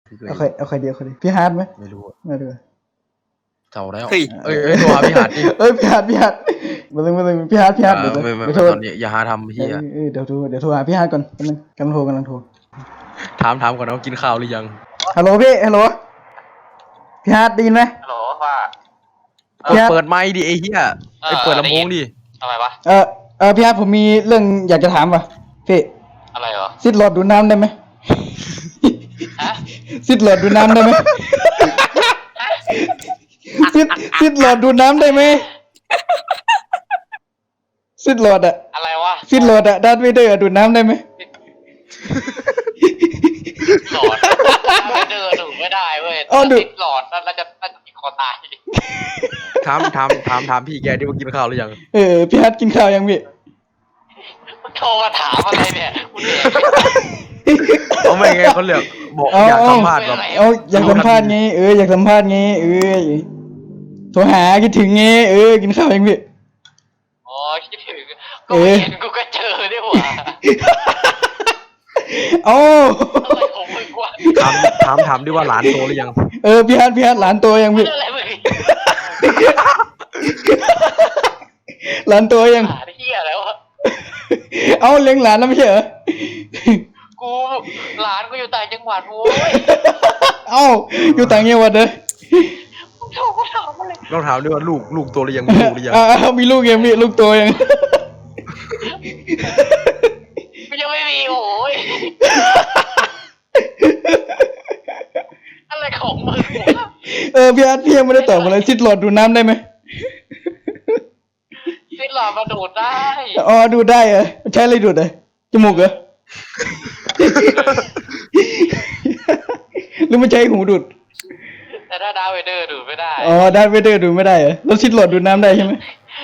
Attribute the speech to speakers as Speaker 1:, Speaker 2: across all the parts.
Speaker 1: เอาใครเดียวพี่ฮาร์ดไหม
Speaker 2: ไม่รู้
Speaker 1: ไม่ดู
Speaker 2: เท่าแล้วตัวพี่หาดดิ
Speaker 1: พี่ฮาร์ดมาเลยพี่ฮาร์ด
Speaker 2: ไม่ตอนนี้อย่าหาทำพี่อะ
Speaker 1: เดี๋ยวโทรหาพี่ฮาร์ดก่อนกำลังโทร
Speaker 2: ถามก่อนนะว่ากินข้าวหรือยัง
Speaker 1: ฮัลโหลพี่ฮาร์ดได้ยินไหม
Speaker 3: ฮัลโหลว่า
Speaker 2: เปิดไมค์ดิไอ้เหี้ยไอ้เปิดลำโพงดิ
Speaker 3: ทำไมวะ
Speaker 1: พี่ฮาร์ดผมมีเรื่องอยากจะถามว่ะพี่
Speaker 3: อะไรเหรอ
Speaker 1: ซิดหลอดดูดน้ำได้ไหมซิดหลอดดูดน้ำได้ไหมซิดหลอดดูดน้ำได้ไหมซิดหลอดอะ
Speaker 3: อะไรวะ
Speaker 1: ซิดหลอดอะดาร์ธเวเดอร์ดูดน้ำได้ไหม
Speaker 3: หลอดไม่เดินดูไม่ได้เว้ยติดหลอดน่าจะติดคอตาย
Speaker 2: ถามพี่แกที่ว่ากินข้าวหรือยัง
Speaker 1: พี่ฮัทกินข้าวยังพี่
Speaker 3: โทรมาถามอะไรเนี่ยคุณเอ๋
Speaker 2: เขาไม่ไงเขาเลือกบอกอยากสัมภาษณ์แบบ
Speaker 1: อยากสัมภาษณ์ไงอยากสัมภาษณ์ไงโทรหาคิดถึงไงกินข้าวยังพี่
Speaker 3: อ๋อคิดถึงก็เห็นกูก็เจอด้วยว่ะอะไรของมึงวะ
Speaker 2: ถามดิว่าหลานโตหรือยัง
Speaker 1: พี่ฮัทหลานโตยังพี่หลานโตยัง
Speaker 3: เหี้ยแล้วะ
Speaker 1: เลี้ยงหลานแล้วไม่ใช่เหรอ
Speaker 3: กูหลานกูอยู่ต่างจังหวัดโว้ย
Speaker 1: อยู่ต่างจังหวัดเลย
Speaker 2: ต้องถามด้วยว่าลูกโตหรือยังมีลูกหรือยัง
Speaker 1: มีลูกยังมีลูกโตยัง
Speaker 3: ยังไม่มีโอ้ยอะไรของมึง
Speaker 1: พี่อาร์ตพี่ยังไม่ได้ตอบอะไรซิดหลอดดูดน้ำได้ไหม
Speaker 3: ซิดหลอดมาดูดได้
Speaker 1: ดูดได้เหรอใช้อะไรดูดอ่ะจมูกเหรอหรือมันใช้หูดูด
Speaker 3: แต่ถ้าดาร์ธเวเดอร์ดูดไม่ได้
Speaker 1: ดาร์ธเวเดอร์ดูดไม่ได้เหรอแล้วซิดหลอดดูดน้ำได้ใช่ไหม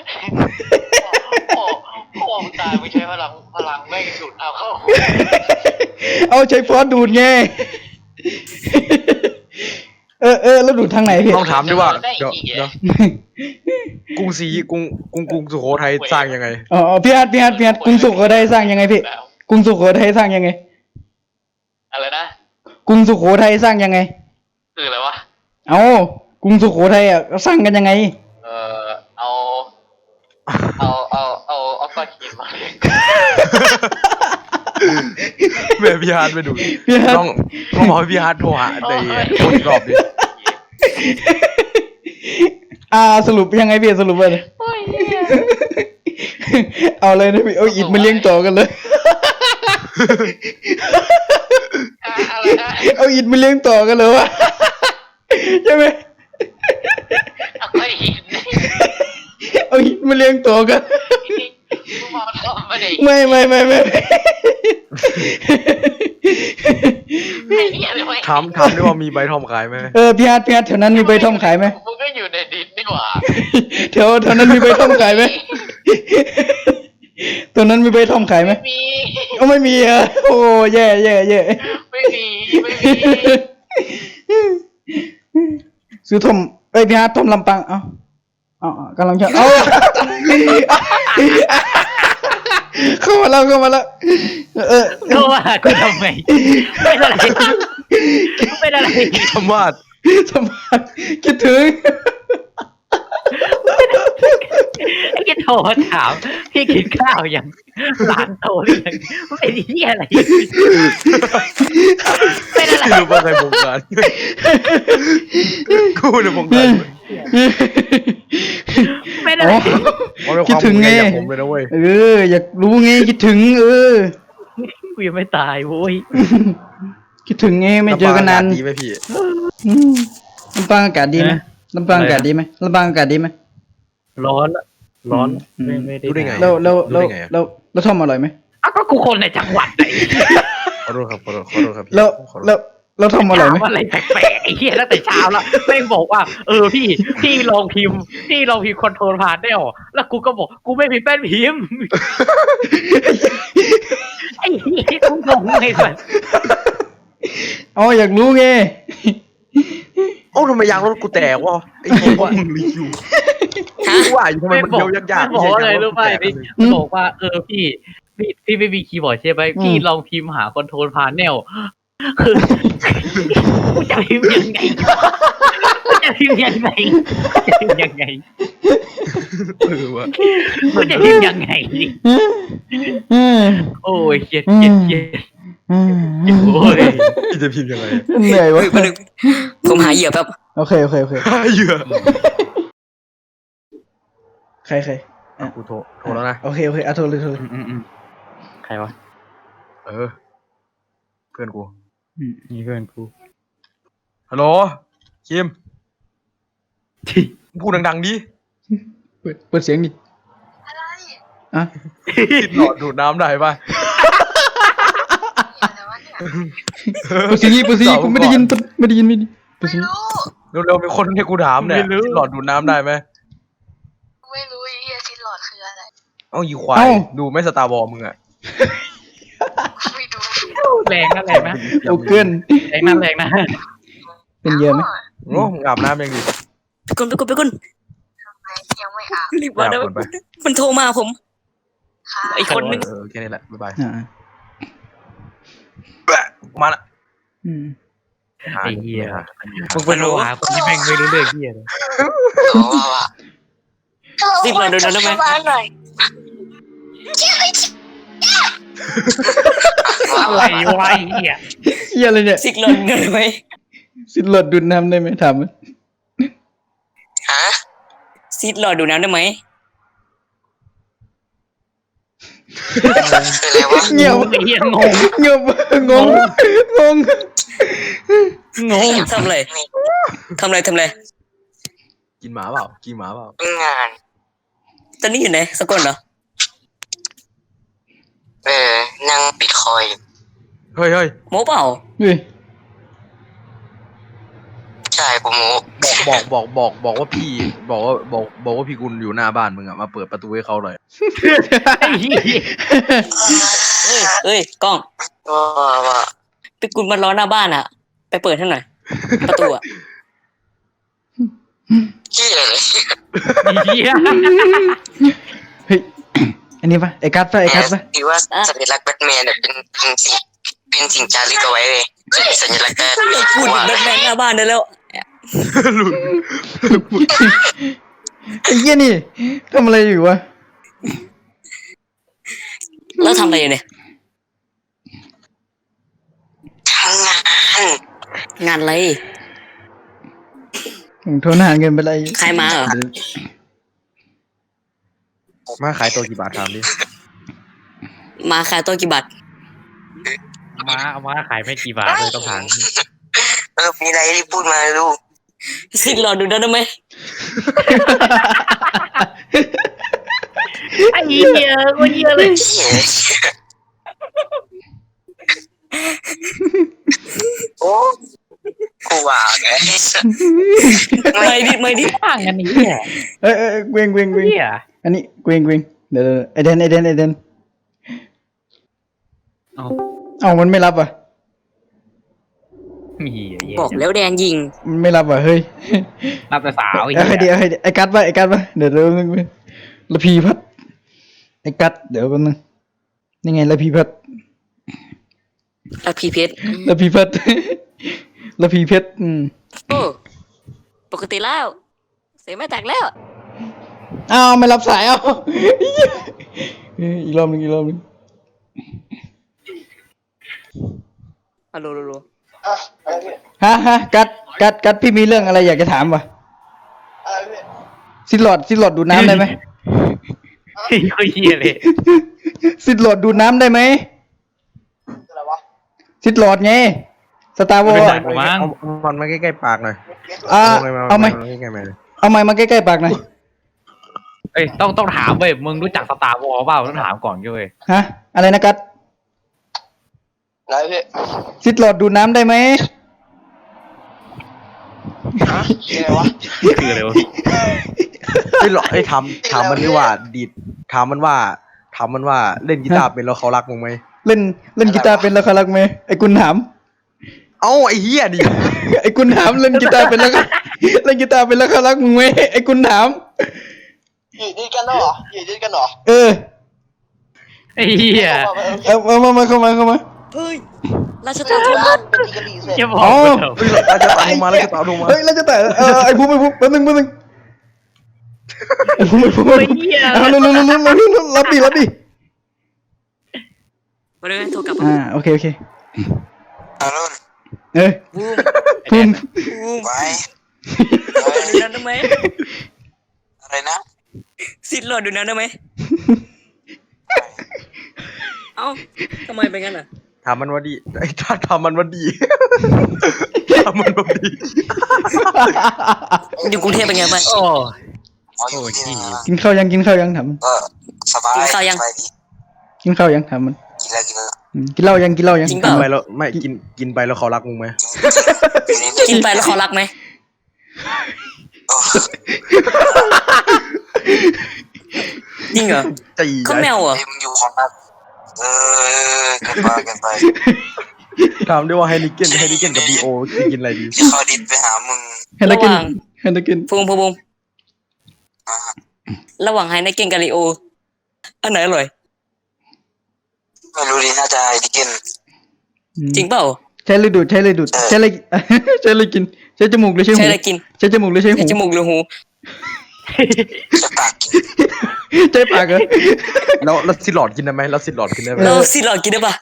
Speaker 3: โอ้ตายไม่ใช้พลังไม่ดูดเอาเข้า
Speaker 1: ใช้ฟอสดูดไงแล้วดูดทางไหนพี่
Speaker 2: ต้องถามด้วยว่าเดี๋ยวกรุงสุโขทัยสร้างยังไง
Speaker 1: พี่ฮัทกรุงสุโขทัยสร้างยังไงพี่กรุงสุโขทัยสร้างยังไง
Speaker 3: อะไรนะ
Speaker 1: กรุงสุโขทัยสร้างยังไง
Speaker 3: คืออะไรวะ
Speaker 1: กรุงสุโขทัยสร้างกันยังไง
Speaker 3: เอาก้อนหินมา
Speaker 2: แม่พี่ฮาร์ดไปดูต้องบอกให้พี่ฮาร์ดโทรหาแต่โทรอีกรอบดิ
Speaker 1: สรุปยังไงพี่สรุปเลยเอาเลยนะพี่อิฐมาเลี้ยงต่อกันเลยเอาอิฐมาเลี้ยงต่อกันเลยวะใช่ไหมเอาอิฐมาเลี้ยงต่อกันไม่
Speaker 2: ถามด้วยว่ามีใบทอมขายไหม
Speaker 1: พี่ฮัทแถวนั้นมีใบทอมขายไหม
Speaker 3: มึงก็อยู่ในดินนี่หว่า
Speaker 1: แถวนั้นมีใบทอมขายไหมตัวนั้นมีใบทอมขายไหมไม่มีโอ้แย่
Speaker 3: ไม่มี
Speaker 1: ซื้อทอมพี่ฮัททอมลำปางกำลังจะเข้ามาแล้ว
Speaker 4: เข้ามากูทำไมเป็นอะไร
Speaker 2: สมบัติ
Speaker 1: คิดถึง
Speaker 4: พี่โทรถามพี่กินข้าวยังหลานโตหรือยังเป็นที่อะไรเป็นอะไร
Speaker 2: คือว่าใครบงการกูเนี่ยบงการ
Speaker 4: เป็นอะไร
Speaker 1: คิดถึงไง
Speaker 2: ผมเลยนะเว้ย
Speaker 1: อยากรู้ไงคิดถึง
Speaker 4: กูยังไม่ตายโว้ย
Speaker 1: คิดถึงไงไม่เจอกันนาน
Speaker 2: ดีไหมพี่
Speaker 1: ลำปางอากาศดีไหมลำปางอากาศดีไหม
Speaker 4: ร้อนไม่ได้
Speaker 1: รู้ได้ไงแล้วทอมอร่อยไหม
Speaker 4: ก็กูคนในจังหวัดไหน
Speaker 2: ขอโทษครับ
Speaker 1: แล้วทอมอร่อยไหม
Speaker 4: อะไรแปลกๆไอ้เหี้ยตั้งแต่เช้าแล้วแม่งบอกว่าพี่ลองพิมพ์คอนโทรลผ่านได้หรอแล้วกูก็บอกกูไม่มีแป้นพิมพ์ไอ้เหี้ยกูงงไงสัส
Speaker 1: อยากรู้ไง
Speaker 2: ทำไมยางรถกูแตกวะไอ้พวกมึงรีวิวว่าอยู่ทำไมมันเดียวยาก
Speaker 4: ๆบอกอะไรรู้ไหมบอกว่าพี่ไม่มีคีย์บอร์ดใช่ไหมพี่ลองพิมพ์หาคอนโทรลพาเนลคือกูจะพิมพ์ยังไงกูจะพิมพ์ยังไงจะพิมพ์ยังไง
Speaker 2: วะ
Speaker 4: กูจะพิมพ์ยังไงดิโอ้ยเหี้ยโอ้ย
Speaker 2: พี่จะพิมพ์ยังไง
Speaker 1: เหนื่อยวะ
Speaker 5: เฮ้ยมาดึงผมหาเหยื่อแป๊บ
Speaker 1: โอเค
Speaker 2: เหยื่อ
Speaker 1: ใคร
Speaker 2: กูโทรแล้วนะ
Speaker 1: โอเคอ่ะโทรเลย
Speaker 4: ใครวะ
Speaker 2: เออเพื่อนกู
Speaker 4: นี่เพื่อนกู
Speaker 2: ฮัลโหลคิมพูดดังๆดิ
Speaker 1: เปิดเสียงดิอ่ะ
Speaker 2: ติดหลอดดูดน้ำได้ปะ
Speaker 1: เปิดเสียงกูไม่ได้ยินเปิดเสียง
Speaker 2: เร็วๆมีคนให้กูถามเนี่ยติดหลอดดูดน้ำได้ไหม
Speaker 6: ไม่รู้ไอ้เหี้ยซินหลอดคืออะไร
Speaker 2: เอ้ายีควายดูไม่สตาร์บอลมึงอะ
Speaker 6: ไม่ดู
Speaker 4: แรงนะแรงนะ
Speaker 1: โอเกิน
Speaker 4: แรงนะแรงนะ
Speaker 1: เป็นเยอะไหม
Speaker 2: โอ้มึงอาบน้ำยังดิ
Speaker 5: ไปกุน
Speaker 6: ยังไม่อาบ
Speaker 5: รีบมาได้มันโทรมาผม
Speaker 6: ค่ะ
Speaker 5: ไอ้คนนึง
Speaker 2: แค่นี้แหละบ๊ายบาย
Speaker 1: อ่า
Speaker 2: มาละ
Speaker 4: ไอ้เหี้ยมึงไปรู้หาคนที่แม่งไม่รู้เรื่องเหี้ยเลย
Speaker 5: รีบมาดูได้ไหม
Speaker 6: หน่อย
Speaker 4: อะไรวะไอ้เหี้ย
Speaker 1: เหี้ยอะไรเนี่ย
Speaker 5: ซิกลนได้ไหม
Speaker 1: สิหลดดูดน้ำได้ไหมถามมัน
Speaker 5: ซิดรอดูน้ำได้ไหม
Speaker 1: เงียบ
Speaker 4: ไอ้เหี้ยงง
Speaker 1: ง
Speaker 5: ทำอะไร
Speaker 2: กินหมาเปล่ากินหมาเปล่า
Speaker 6: งาน
Speaker 5: ตอนนี้อยู่ไหนสกลเหรอ
Speaker 6: นั่งบิตคอย
Speaker 2: เฮ้ย
Speaker 5: โมเปล่า
Speaker 1: เฮ้ย
Speaker 6: ใช่ผม
Speaker 2: บอกว่าพี่บอกว่าพี่กุลอยู่หน้าบ้านมึงอะมาเปิดประตูให้เขาหน่อย
Speaker 4: ไอ้เหี้ย
Speaker 5: เอ้ยกล้อง
Speaker 6: ว่า
Speaker 5: ไปกุนมันรอหน้าบ้านอ่ะ ไปเปิดให้หน่อย ประตูอ่ะ
Speaker 6: ขี้อะไรเลย
Speaker 4: ไอ้เหี้ย
Speaker 1: เฮ้ยอันนี้ปะไอ้กัดปะ
Speaker 6: ที่ว่าสัญลักษณ์แบทแมนเนี่ยเป็นสิ่งจารึกเอาไว้เลยสัญลักษณ์
Speaker 5: พูดถึงแบทแมนหน้าบ้านได้แล้ว
Speaker 2: หลุด
Speaker 1: ไอ้เหี้ยนี่ทำอะไรอยู่วะ
Speaker 5: แล้วทำอะไรอยู่เนี่ย
Speaker 6: ทำงาน
Speaker 5: งานอะไร
Speaker 1: ผมโทรหาเงินไปเลย
Speaker 5: ใครมาเหรอ
Speaker 2: มาขายตัวกี่บาทถามดิ
Speaker 5: มาขายตัวกี่บาท
Speaker 4: มาขายไม่กี่บาทเลยต้องถาม
Speaker 6: มีอะไรที่พูดมาลูก
Speaker 5: ซิดรอดูได้ไหม
Speaker 4: ไอ้เหี้ยก็เหี้ยเลย
Speaker 6: โอ้กูว่าไง
Speaker 5: ไม่ดิ
Speaker 4: ต่างกันนี่เหี้ย
Speaker 1: เอ้ยเวง
Speaker 4: เหี้ย
Speaker 1: อันนี้เวงเดี๋ยวไอเดนเอามันไม่รับอ่ะ
Speaker 4: มีเหี้ย
Speaker 5: บอกแล้วแดนยิง
Speaker 1: มันไม่รับอ่ะเฮ้ย
Speaker 4: รับแต่สาวไอ้
Speaker 1: เอาให้
Speaker 4: เหี้
Speaker 1: ดี
Speaker 4: ย
Speaker 1: ไอ้กัดปะเดี๋ยวละพีพัดไอ้กัดเดี๋ยวกันนึงยังไงละพีพัด
Speaker 5: แล้วพีเพชร
Speaker 1: ละพีพัดละพีเพชร
Speaker 5: โอ้ปกติแล้วเสียงไม่แตกแล้ว
Speaker 1: อ้าวไม่รับสายเอาอีกรอบนึง
Speaker 5: ฮัลโหล
Speaker 1: ฮะกัดพี่มีเรื่องอะไรอยากจะถามวะซิดหลอดดูดน้ำได้ไหม
Speaker 4: ไอ้เหี้ยเลย
Speaker 1: ซิดหลอดดูดน้ำได้ไหมซิดหลอดไงสตาร์วอร์
Speaker 2: มันมาใกล้ๆปากหน่อย
Speaker 1: เอาไหม
Speaker 2: ใกล้ๆมาเลย
Speaker 1: เอาไม้มาใกล้ๆปากหน่อย
Speaker 4: เอ้ยต้องถามเว้ยมึงรู้จักสตาร์วอลเปล่าต้องถามก่อนเว้ย
Speaker 1: ฮะอะไรนะกัด
Speaker 6: อะไรพี่
Speaker 1: ซิดหลอดดูดน้ำได้ไหม
Speaker 6: อะไรวะ
Speaker 4: คืออะไรวะ
Speaker 2: ไม่หรอกไอ้ถามมันดีว่าดีดถามมันว่าเล่นกีตาร์เป็นแล้วเขารักมึงไหม
Speaker 1: เล่นกีตาร์เป็นแล้วเขารักไหมไอ้กุนถาม
Speaker 2: เอ้าไอ้เหี้ยดิ
Speaker 1: ไอ้กุนถามเล่นกีตาร์เป็นแล้วเขารักมึงไหมไอ้กุนถาม
Speaker 6: อยู่ด้วยกันเหรอ
Speaker 1: เออ
Speaker 4: ไอ้เหี้ย
Speaker 1: เอามาเข้ามา
Speaker 5: เฮ้ยราชตาโทรมา
Speaker 4: จะบอก
Speaker 1: อ๋อ
Speaker 2: เฮ้ยเราจะตามลงมาเราจะตามลงมา
Speaker 1: เฮ้ยแล้วจะแต่ไอ้ภูมิแป๊บนึงไอ้ภูมิเอาเร็วรับดิ
Speaker 5: มาเลยโทรกลับมา
Speaker 1: โอเค
Speaker 6: อารอน
Speaker 1: เอ้ย
Speaker 5: บูม
Speaker 1: ภูมิ
Speaker 5: บูม
Speaker 6: ไว้
Speaker 5: ดูน้ำได้ไหม
Speaker 6: อะไรนะ
Speaker 5: สิทธิ์หลอดดูน้ำได้ไหมเอ้าทำไมเป็นงั้นอ่ะ
Speaker 2: ถามมันว่าดีไอ้ถ้าทำมันว่าดีทำมันว่าดี
Speaker 5: อยู่กรุงเทพเป็นไงบ้าง
Speaker 4: โอ้
Speaker 6: อ๋ออยู่ที่นี่นะ
Speaker 1: กินข้าวยังถามมัน
Speaker 6: ก็สบาย
Speaker 5: กินข้าวยัง
Speaker 6: สบายดี
Speaker 1: กินข้าวยังถามมัน
Speaker 6: กินแล้วกินแล้ว
Speaker 1: กินเหล้ายัง
Speaker 5: จริงเป
Speaker 2: กิ
Speaker 5: ล่า
Speaker 2: นไปแล้วไม่กินไปแล้วเขารักมึงไหม
Speaker 5: กินไปแล้วเขารักไหม
Speaker 6: โอ้
Speaker 5: จริงเหรอ
Speaker 2: จี
Speaker 5: เขาแมวเหรอ
Speaker 6: เฮ้ยมึงอยู่ของนักเกินไป
Speaker 2: ถามด้วยว่าไฮนิเกนกับบีโอจะกินอะไรดี
Speaker 6: จะเข้าดิสไปหามึง
Speaker 1: ให้นักกิน
Speaker 5: ฟูมระหว่างไฮในเก่งกับลีโออันไหนอร่อย
Speaker 6: ไม่รู้ดิน่าจะไฮดิเกน
Speaker 5: จริงเปล่า
Speaker 1: ใช้เลยดูดใช้เลยกินใช้จมูกหรือใช้หู
Speaker 5: ใช่อะไรกิน
Speaker 1: ใช้จมูกหรือใช้หู
Speaker 5: ใช้จมูกหรือหู
Speaker 6: จะปากกิน
Speaker 1: ใช้ปากเหรอ
Speaker 2: แล้วสิหลอดกินได้ไหมแล้วสิหลอดกินได้ไหม
Speaker 5: เราสิหลอดกินได้ปะ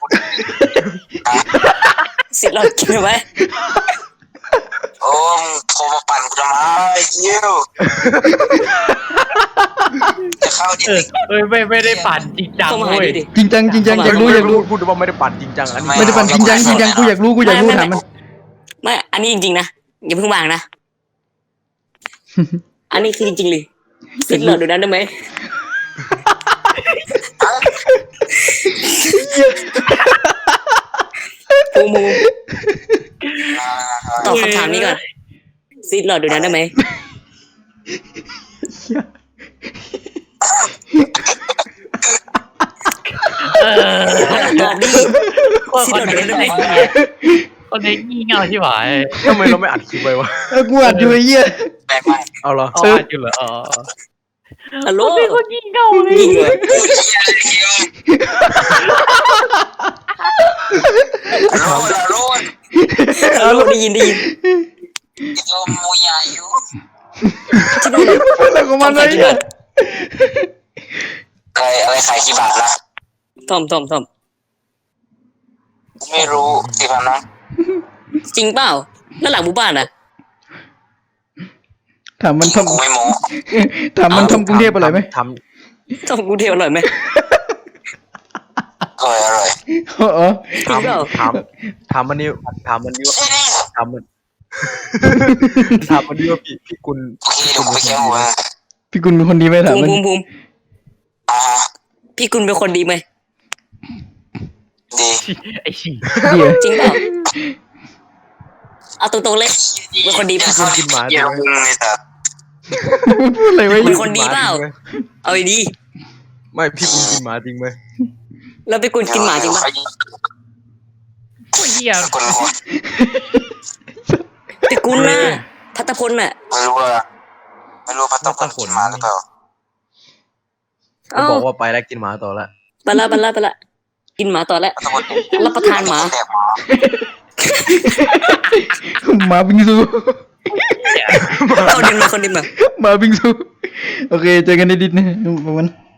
Speaker 5: สิหลอดกินได้ไหม
Speaker 6: โอ้มึงโทรมาปั่นกูทำไมเยี่ยวจะเข้าดิส
Speaker 4: เอ้ยไม่ได้ปั่นจริงจัง
Speaker 5: เข้ามาหา
Speaker 4: เว้ย
Speaker 5: ดิ
Speaker 1: จริงจังอยากรู้
Speaker 2: พูดว่าไม่ได้ปั่นจริงจังอันนี้
Speaker 1: ไม่ได้ปั่นจริงจังกูอยากรู้ถามมัน
Speaker 5: ไม่อันนี้จริงๆนะอย่าเพิ่งวางนะอันนี้คือจริงๆเลยสิหลอดดูนั้นได้ไหมฟูมูตอบคำถามนี้ก่อนสิหลอดดูนั้นได้ไหมตอบดิ
Speaker 4: คนนี้คนนี้งี่เง่าที่หวาย
Speaker 2: ทำไมเราไม่อัดคลิปไว้วะ
Speaker 1: กูอัดอยู่ไอ้เหี้ย
Speaker 6: แปลกไหม
Speaker 2: เอาเหรอ
Speaker 4: อ๋ออยู่เหรออ๋อ
Speaker 5: ฮัลโหล
Speaker 4: เป็นคนงี่เง่าเลย
Speaker 5: ยิงเลย
Speaker 6: ฮัลโหล
Speaker 5: ได้ยิน
Speaker 6: โยมูยายุ
Speaker 5: ที่นู่น
Speaker 1: อะไรของมัน
Speaker 5: ทำ
Speaker 1: ไอ้
Speaker 5: กี่
Speaker 1: เหี้ย
Speaker 5: บาท
Speaker 6: อะไรขายกี่บาทนะ
Speaker 5: ทอม
Speaker 6: ไม่รู้10,000นะ
Speaker 5: จริงเปล่าแล้วหลังหมู่บ้านอ่ะ
Speaker 1: ถามมันท
Speaker 6: กูไม่โม้
Speaker 1: ำกรุงเทพอร่อยไหม
Speaker 2: ท
Speaker 5: ทอมกรุงเทพอร่อยไหม
Speaker 6: อร่อย
Speaker 1: อ๋อ
Speaker 5: จริงเปล่า
Speaker 2: ถามมันนี่ว่าถามมันว่าพี่กุล
Speaker 6: โอเคเดี๋ยวกูไปแก้หัว
Speaker 1: พี่กุลเป็นคนดีไหมถามมัน
Speaker 5: ภูมิ
Speaker 6: อ่า
Speaker 5: พี่กุลเป็นคนดีไหม
Speaker 6: ดี
Speaker 4: ไอ้ฉี่
Speaker 1: ดีเหรอ
Speaker 5: จริงเปล่าเอาตรงๆเลยเป็นคนดี
Speaker 6: จะ
Speaker 5: ป่ะ
Speaker 6: เข้าดิสเกี่ยวมึงเลยแต่
Speaker 1: พูดอะไรไว้
Speaker 5: เป็นคนดีเปล่าเอาดี
Speaker 2: ไม่พี่กุลกินหมาจริงไหม
Speaker 5: แล้วพี่กุลกินหมาจริงป่ะ
Speaker 4: คนเหี้ย
Speaker 6: คนหัว
Speaker 5: พี่กุลน่ะพัตพลน่ะ
Speaker 6: ไม่รู้พัตตาคนกินมาหรือเปล่า
Speaker 5: เอ้า
Speaker 2: บอกว่าไปแล้วกินหมาต่อละ
Speaker 5: ไปละกินหมาต่อแล้ว
Speaker 6: พัตตาคน
Speaker 5: รับประทานหมา
Speaker 6: แดกหมา
Speaker 1: หมาบิงซู
Speaker 5: คนดินมา
Speaker 1: หมาบิงซูโอเคเจอกันในดิสนะประมาณ